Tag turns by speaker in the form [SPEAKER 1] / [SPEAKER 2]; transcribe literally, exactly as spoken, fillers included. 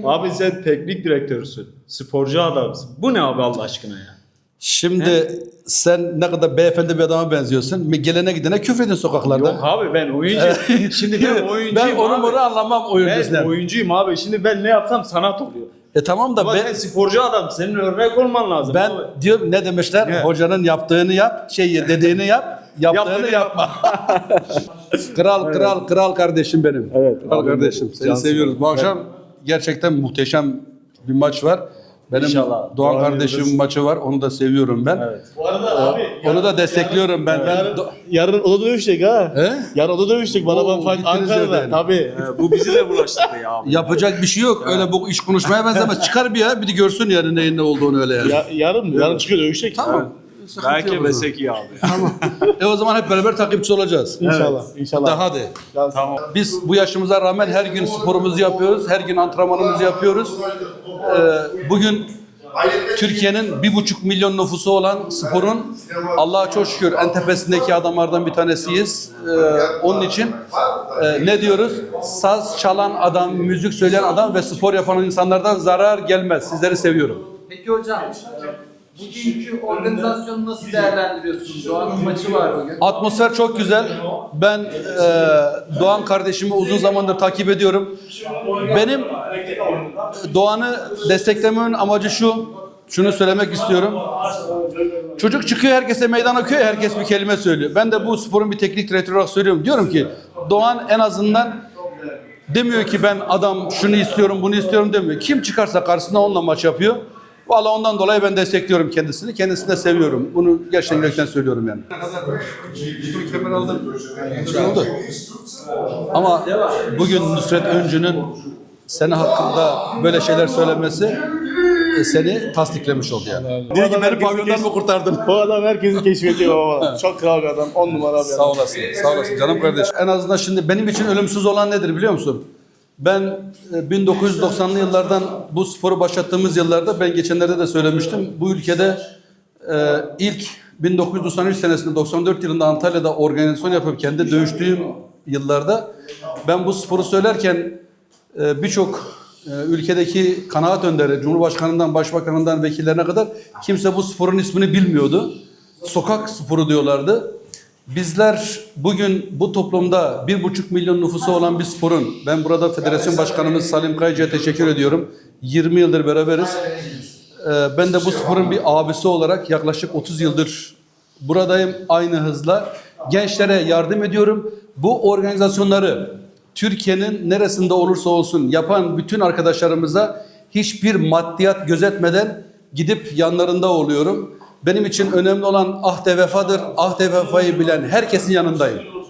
[SPEAKER 1] Abi sen teknik direktörsün. Sporcu adamsın. Bu ne abi Allah aşkına ya?
[SPEAKER 2] Şimdi He? sen ne kadar beyefendi bir adama benziyorsun. Gelene gidene küfredin sokaklarda.
[SPEAKER 1] Yok abi ben oyuncuyum. Şimdi ben oyuncuyum
[SPEAKER 2] Ben onu
[SPEAKER 1] abi.
[SPEAKER 2] bunu anlamam oyun
[SPEAKER 1] Ben
[SPEAKER 2] bizden.
[SPEAKER 1] oyuncuyum abi. Şimdi ben ne yapsam sanat oluyor.
[SPEAKER 2] E tamam da
[SPEAKER 1] Ama
[SPEAKER 2] ben,
[SPEAKER 1] sen sporcu adam. Senin örnek olman lazım
[SPEAKER 2] ben
[SPEAKER 1] abi.
[SPEAKER 2] diyorum ne demişler?
[SPEAKER 1] Ne?
[SPEAKER 2] Hocanın yaptığını yap, şey dediğini yap, yaptığını
[SPEAKER 1] Yaptığını
[SPEAKER 2] yapma. Kral kral kral kardeşim benim.
[SPEAKER 1] Evet,
[SPEAKER 2] Kral
[SPEAKER 1] abi,
[SPEAKER 2] kardeşim. Seni
[SPEAKER 1] cansın.
[SPEAKER 2] seviyoruz. Bu akşam gerçekten muhteşem bir maç var. Benim
[SPEAKER 1] İnşallah.
[SPEAKER 2] Doğan
[SPEAKER 1] Doğan
[SPEAKER 2] kardeşimin
[SPEAKER 1] Yıldız.
[SPEAKER 2] maçı var. Onu da seviyorum ben.
[SPEAKER 1] Evet.
[SPEAKER 3] Bu arada abi
[SPEAKER 2] Onu da destekliyorum ben. ben
[SPEAKER 3] yarın,
[SPEAKER 2] Do-
[SPEAKER 3] yarın oda dövüşecek ha.
[SPEAKER 2] He?
[SPEAKER 3] Yarın oda dövüşecek bana
[SPEAKER 2] Oo,
[SPEAKER 3] bak
[SPEAKER 2] gittiniz
[SPEAKER 3] Ankara'da.
[SPEAKER 2] yerden.
[SPEAKER 3] Tabii.
[SPEAKER 1] Ee, bu bizi de bulaştırdı ya abi.
[SPEAKER 2] Yapacak bir şey yok. Öyle bu iş konuşmaya benzemez. Çıkar bir ya. Bir de görsün yarın neyin ne olduğunu öyle yani.
[SPEAKER 3] Ya, yarın mı? Yarın çıkıyor dövüşecek.
[SPEAKER 2] Tamam. Sıkıntı yok o
[SPEAKER 1] Belki
[SPEAKER 2] zaman.
[SPEAKER 1] desek iyi abi.
[SPEAKER 2] E o zaman hep beraber takipçi olacağız.
[SPEAKER 3] İnşallah. İnşallah.
[SPEAKER 2] Da hadi.
[SPEAKER 1] Tamam.
[SPEAKER 2] Biz bu yaşımıza rağmen her gün sporumuzu yapıyoruz. Her gün antrenmanımızı yapıyoruz. Ee, bugün Türkiye'nin bir buçuk milyon nüfusu olan sporun Allah'a çok şükür en tepesindeki adamlardan bir tanesiyiz. Ee, onun için e, ne diyoruz? Saz çalan adam, müzik söyleyen adam ve spor yapan insanlardan zarar gelmez. Sizleri seviyorum.
[SPEAKER 4] Peki hocam, bugünkü organizasyonu nasıl değerlendiriyorsunuz? Doğan'ın maçı var bugün.
[SPEAKER 2] Atmosfer çok güzel. Ben e, Doğan kardeşimi uzun zamandır takip ediyorum. Benim Doğan'ı desteklememin amacı şu. Şunu söylemek istiyorum. Çocuk çıkıyor, herkese meydan okuyor, herkes bir kelime söylüyor. Ben de bu sporun bir teknik direktörü olarak söylüyorum. Diyorum ki Doğan en azından demiyor ki ben adam şunu istiyorum, bunu istiyorum demiyor. Kim çıkarsa karşısına onunla maç yapıyor. Vallahi ondan dolayı ben destekliyorum kendisini. Kendisini de seviyorum. Bunu gerçekten yürekten söylüyorum yani. Bir kemer aldım. Güzel oldu. Ama bugün Nusret Öncü'nün senin hakkında böyle şeyler söylemesi e, seni tasdiklemiş oldu yani. Diyor ki beni pavyondan mı kurtardın?
[SPEAKER 3] Bu adam herkesi keşfediyor baba. Çok kral bir adam. On numara bir
[SPEAKER 2] Sağ
[SPEAKER 3] adam.
[SPEAKER 2] olasın, sağ olasın canım kardeş. En azından şimdi benim için ölümsüz olan nedir biliyor musun? Ben e, bin dokuz yüz doksanlı yıllardan bu sporu başlattığımız yıllarda ben geçenlerde de söylemiştim. Bu ülkede e, ilk bin dokuz yüz doksan üç senesinde doksan dört yılında Antalya'da organizasyon yapıp kendi dövüştüğüm yıllarda ben bu sporu söylerken e, birçok e, ülkedeki kanaat önderi, Cumhurbaşkanından, Başbakanından, vekillerine kadar kimse bu sporun ismini bilmiyordu. Sokak sporu diyorlardı. Bizler bugün bu toplumda bir buçuk milyon nüfusu olan bir sporun, ben burada Federasyon Başkanımız Salim Kayıcı'ya teşekkür ediyorum. yirmi yıldır beraberiz. Ee, ben de bu sporun bir abisi olarak yaklaşık otuz yıldır buradayım aynı hızla. Gençlere yardım ediyorum. Bu organizasyonları Türkiye'nin neresinde olursa olsun yapan bütün arkadaşlarımıza hiçbir maddiyat gözetmeden gidip yanlarında oluyorum. Benim için önemli olan ahde vefadır. Ahde vefayı bilen herkesin yanındayım.